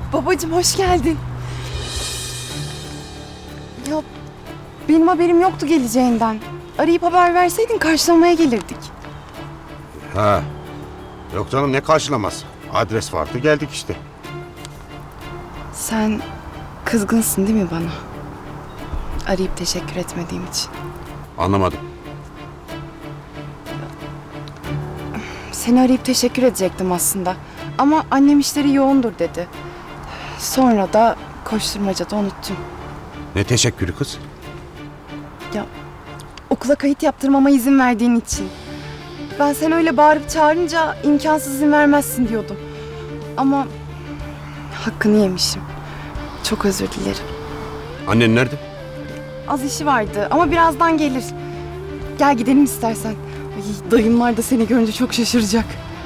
Babacığım hoş geldin. Ya benim haberim yoktu geleceğinden. Arayıp haber verseydin karşılamaya gelirdik. Ha. Yok canım, ne karşılaması? Adres vardı, geldik işte. Sen kızgınsın değil mi bana? Arayıp teşekkür etmediğim için. Anlamadım. Seni arayıp teşekkür edecektim aslında. Ama annem işleri yoğundur dedi. Sonra da koşturmacada unuttum. Ne teşekkürü kız? Ya okula kayıt yaptırmama izin verdiğin için. Ben seni öyle bağırıp çağırınca imkansız izin vermezsin diyordum. Ama hakkını yemişim. Çok özür dilerim. Annen nerede? Az işi vardı ama birazdan gelir. Gel gidelim istersen. Ay, dayımlar da seni görünce çok şaşıracak.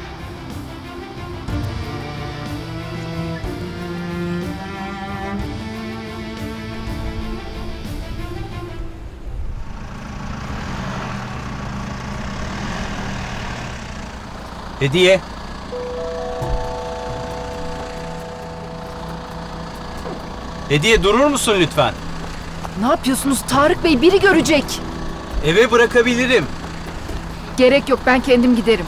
Hediye. Hediye, durur musun lütfen? Ne yapıyorsunuz Tarık Bey? Biri görecek. Eve bırakabilirim. Gerek yok, ben kendim giderim.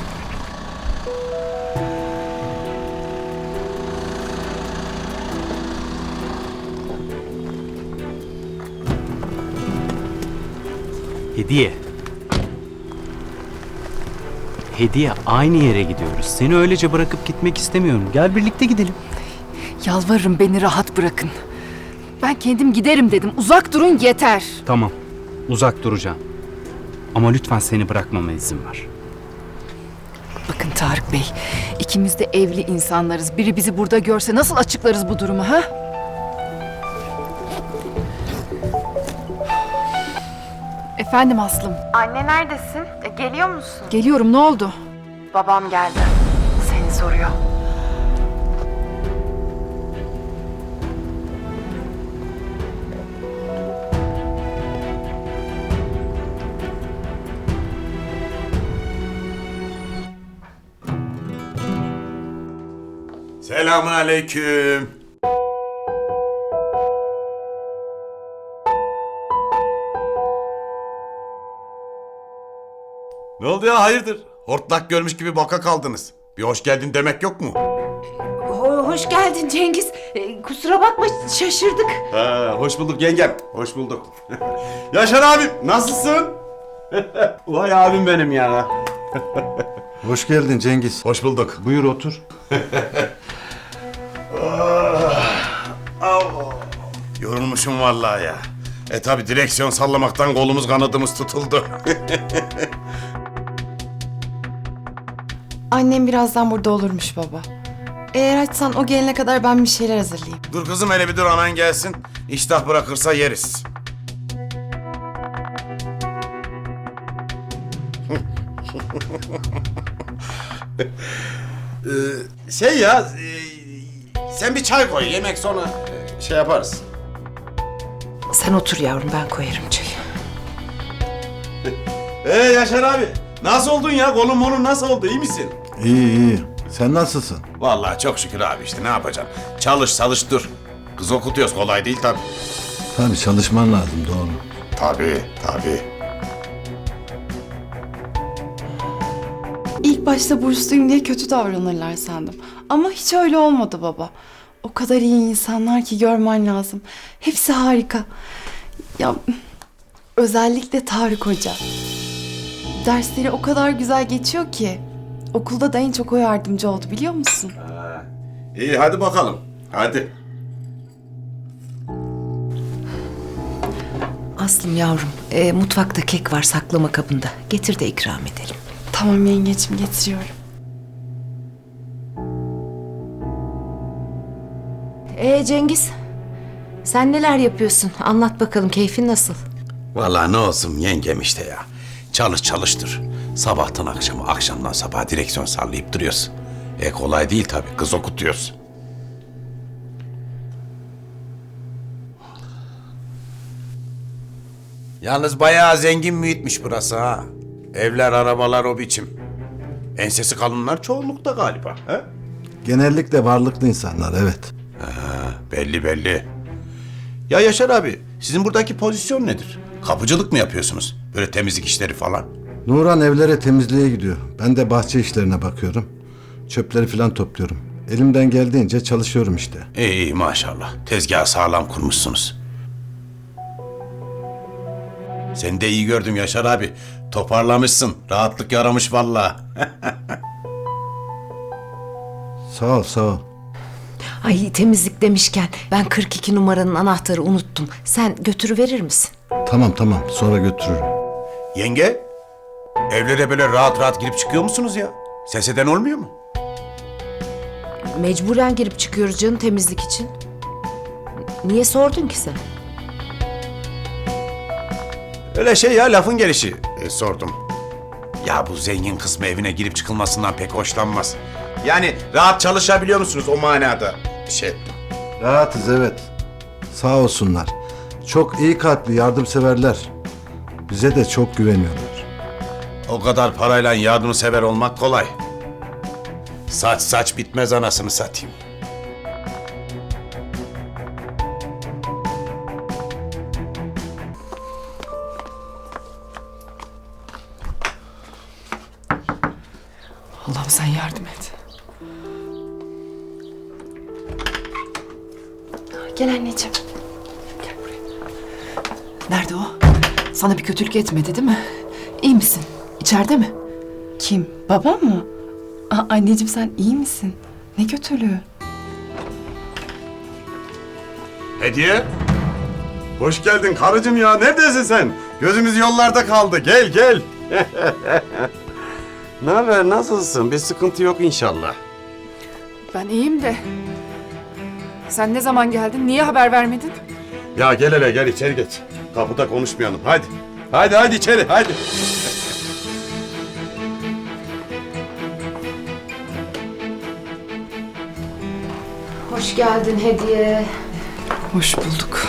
Hediye. Hediye, aynı yere gidiyoruz. Seni öylece bırakıp gitmek istemiyorum. Gel birlikte gidelim. Yalvarırım, beni rahat bırakın. Ben kendim giderim dedim. Uzak durun yeter. Tamam, uzak duracağım. Ama lütfen seni bırakmama izin ver. Bakın Tarık Bey, ikimiz de evli insanlarız. Biri bizi burada görse nasıl açıklarız bu durumu ha? Efendim Aslım. Anne neredesin? Geliyor musun? Geliyorum, ne oldu? Babam geldi. Seni soruyor. Selamun aleyküm. Ne oldu ya, hayırdır? Hortlak görmüş gibi baka kaldınız. Bir hoş geldin demek yok mu? Hoş geldin Cengiz. Kusura bakma şaşırdık. Ha, hoş bulduk yengem. Hoş bulduk. Yaşar abim, nasılsın? Vay abim benim ya. Hoş geldin Cengiz. Hoş bulduk. Buyur otur. Yorulmuşum vallahi ya. Tabi direksiyon sallamaktan kolumuz kanadımız tutuldu. Annem birazdan burada olurmuş baba. Eğer açsan o gelene kadar ben bir şeyler hazırlayayım. Dur kızım, hele bir dur, anan gelsin. İştah bırakırsa yeriz. Şey ya, sen bir çay koy, yemek sonra şey yaparız. Sen otur yavrum, ben koyarım çayı. Yaşar abi, nasıl oldun ya? Kolun nasıl oldu, iyi misin? İyi iyi. Sen nasılsın? Vallahi çok şükür abi, işte ne yapacaksın? Çalış dur. Kız okutuyoruz, kolay değil tabii. Tabii çalışman lazım, doğru. Tabii. İlk başta bursluyum diye kötü davranırlar sandım. Ama hiç öyle olmadı baba. O kadar iyi insanlar ki görmen lazım. Hepsi harika. Ya özellikle Tarık Hoca. Dersleri o kadar güzel geçiyor ki. Okulda da en çok o yardımcı oldu, biliyor musun? İyi, hadi bakalım. Hadi. Aslım yavrum, mutfakta kek var saklama kabında. Getir de ikram edelim. Tamam yengeciğim, getiriyorum. Cengiz, sen neler yapıyorsun? Anlat bakalım, keyfin nasıl? Vallahi ne olsun yengem işte ya. Çalıştır. Sabahtan akşama, akşamdan sabaha direksiyon sallayıp duruyoruz. Kolay değil tabii, kız okutuyoruz. Yalnız bayağı zengin mühitmiş burası ha. Evler, arabalar o biçim. Ensesi kalınlar çoğunlukta galiba. He? Genellikle varlıklı insanlar, evet. Belli belli. Ya Yaşar abi, sizin buradaki pozisyon nedir? Kapıcılık mı yapıyorsunuz? Böyle temizlik işleri falan. Nuran evlere temizliğe gidiyor. Ben de bahçe işlerine bakıyorum. Çöpleri falan topluyorum. Elimden geldiğince çalışıyorum işte. İyi iyi maşallah. Tezgahı sağlam kurmuşsunuz. Seni de iyi gördüm Yaşar abi. Toparlamışsın. Rahatlık yaramış vallahi. Sağ ol, sağ ol. Ay temizlik demişken ben 42 numaranın anahtarı unuttum. Sen götürüverir misin? Tamam, sonra götürürüm. Yenge, evlere böyle rahat rahat girip çıkıyor musunuz ya? Ses eden olmuyor mu? Mecburen girip çıkıyoruz canım temizlik için. Niye sordun ki sen? Öyle şey ya, lafın gelişi. Sordum. Ya bu zengin kısmı evine girip çıkılmasından pek hoşlanmaz. Yani rahat çalışabiliyor musunuz o manada? Rahatız, evet. Sağ olsunlar. Çok iyi kalpli, yardımseverler. Bize de çok güveniyorlar. O kadar parayla yardımsever olmak kolay. Saç bitmez anasını satayım. Allah'ım sen yardım et. Gel anneciğim. Nerede o? Sana bir kötülük etmedi değil mi? İyi misin? İçeride mi? Kim? Babam mı? Anneciğim sen iyi misin? Ne kötülüğü? Hediye. Hoş geldin karıcığım ya. Neredesin sen? Gözümüz yollarda kaldı. Gel gel. Ne haber? Nasılsın? Bir sıkıntı yok inşallah. Ben iyiyim de. Sen ne zaman geldin? Niye haber vermedin? Ya gel hele gel içeri geç. Kapıda konuşmayalım. Hadi. Hadi içeri hadi. Hoş geldin Hediye. Hoş bulduk.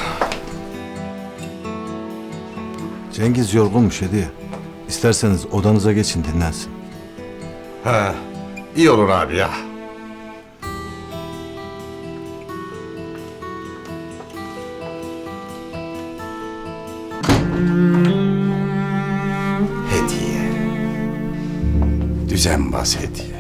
Cengiz yorgunmuş Hediye. İsterseniz odanıza geçin, dinlensin. Ha, iyi olur abi ya. Hediye. Düzenbaz Hediye.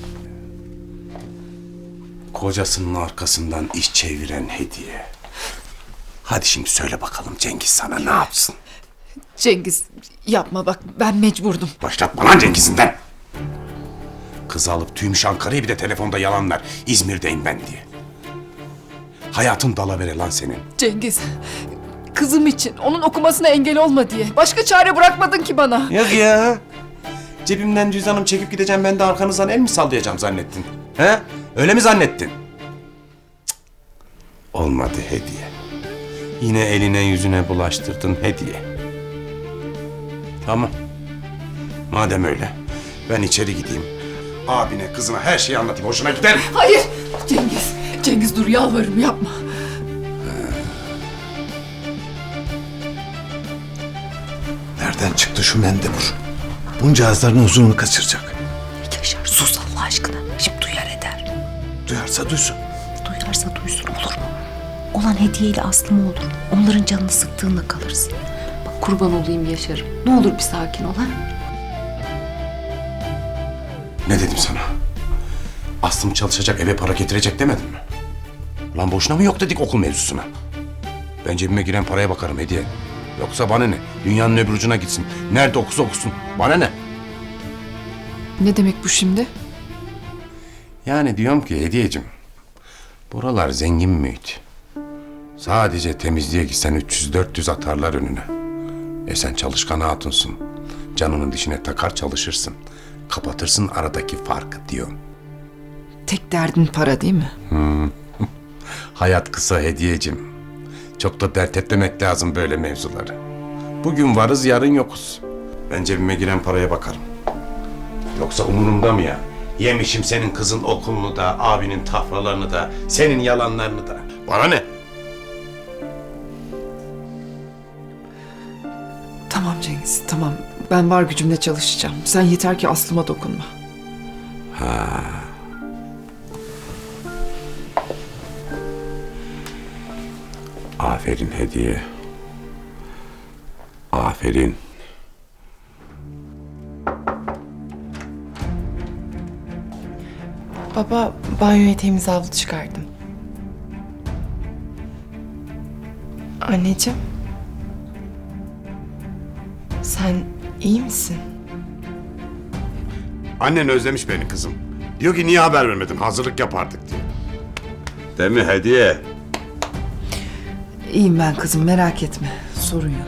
Kocasının arkasından iş çeviren Hediye. Hadi şimdi söyle bakalım Cengiz sana ne yapsın? Cengiz yapma bak ben mecburdum. Başlatma lan Cengiz'inden. Kızı alıp tüymüş Ankara'ya, bir de telefonda yalanlar. İzmir'deyim ben diye. Hayatın dalavere lan senin. Cengiz kızım için onun okumasına engel olma diye. Başka çare bırakmadın ki bana. Yok ya. Cebimden cüzdanımı çekip gideceğim, ben de arkanızdan el mi sallayacağım zannettin? He? Öyle mi zannettin? Cık. Olmadı Hediye. Yine eline yüzüne bulaştırdın Hediye. Tamam. Madem öyle, ben içeri gideyim. Abine, kızına her şeyi anlatayım. Hoşuna gider mi? Hayır Cengiz dur yalvarırım yapma. Nereden çıktı şu mendebur? Bunca ağızların huzurunu kaçıracak. Yaşar sus Allah aşkına. Şimdi duyar eder. Duyarsa duysun. Duyarsa duysun olur mu? Olan hediyeyle Aslı mı olur? Onların canını sıktığında kalırsın. Bak kurban olayım Yaşar'ım. Ne olur bir sakin ol ha? Ne dedim sana? Aslım çalışacak, eve para getirecek demedim mi? Lan boşuna mı yok dedik okul mevzusuna? Ben cebime giren paraya bakarım Hediye. Yoksa bana ne? Dünyanın öbür ucuna gitsin. Nerede okusa okusun. Bana ne? Ne demek bu şimdi? Yani diyorum ki Hediyeciğim, buralar zengin mühit. Sadece temizliğe gitsen 300-400 atarlar önüne. Sen çalışkan hatunsun. Canının dişine takar çalışırsın. Kapatırsın aradaki farkı diyorum. Tek derdin para değil mi? Hayat kısa Hediyeciğim. Çok da dert etmemek lazım böyle mevzuları. Bugün varız, yarın yokuz. Ben cebime giren paraya bakarım. Yoksa umurumda mı ya? Yemişim senin kızın okulunu da, abinin tafralarını da, senin yalanlarını da. Bana ne? Tamam Cengiz tamam. Ben var gücümle çalışacağım. Sen yeter ki Aslıma dokunma. Aferin Hediye. Aferin. Baba, banyoya temiz havlu çıkardım. Anneciğim. Sen iyi misin? Annen özlemiş beni kızım. Diyor ki niye haber vermedin? Hazırlık yapardık diyor. Değil mi Hediye? İyiyim ben kızım, merak etme. Sorun yok.